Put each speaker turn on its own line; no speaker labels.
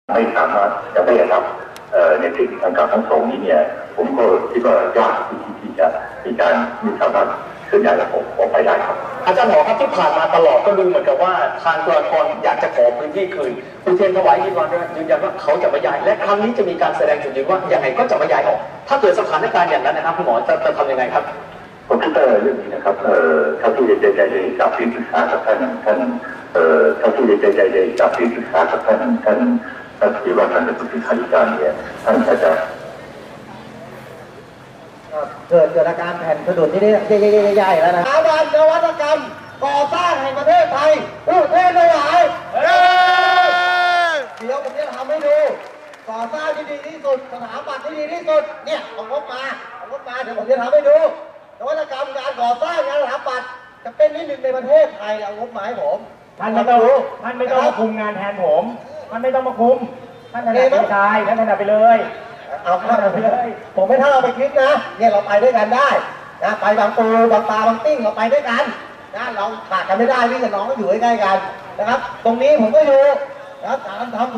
ไม่สามารถจะไม่รับในสิ่งทางการทั้งสองนี้เนี่ยผมก็คิดว่ายากที่จะมีการมีสามารถเคลื่อนย้ายระบบออกไปได้ครับ
อาจารย์หมอครับที่ผ่านมาตลอดก็ดูเหมือนกับว่าทางจุฬาภรณ์อยากจะขอพื้นที่คืนอุเทรนถวายยืนยันว่าเขาจะไม่ย้ายและครั้งนี้จะมีการแสดงจุดยืนว่ายังไงก็จะไม่ย้ายออกถ้าเกิดสถานการณ์อย่างนั้นนะครับคุณหมอจะทำยังไงครับ
ผมคิดว่าเรื่องนี้นะครับเท่าที่ได้จากที่ปรึกษากับท่านเท่าที่ได้จากที่ปรึกษากับท่านที่ว่าท่านเป็นผู้ที่ขาธิการเนี่ยท่านจะ
เกิดอาการแผ่นสะดุดที่นี่ใหญ่ๆแล้วนะสถาบันนวัตกรรมก่อสร้างแห่งประเทศไทยอุเทรนถวายเดี๋ยวผมจะทำให้ดูก่อสร้างที่ดีที่สุดสถาบันที่ดีที่สุดเนี่ยเอางบมาเดี๋ยวผมจะทำให้ดูนวัตกรรมการก่อสร้างงานสถาปัตย์จะเป็นนิดหนึ่งในประเทศไทยเอางบมาให้ผม
ท่านไม่ต้องมาคุมงานแทนผมท่านไม่ต้องมาคุมท่านถนัดไปชายท่านถนัดไปเลย
เอาเข้าไปเลยผมไม่เท่าไปคิดนะเนี่ยเราไปด้วยกันได้นะไปบางปูบางปลาบางติ้งเราไปด้วยกันนะเราขาดกันไม่ได้พี่กับน้องก็อยู่ใกล้ๆกันนะครับตรงนี้ผมก็อยู่นะครับการทำ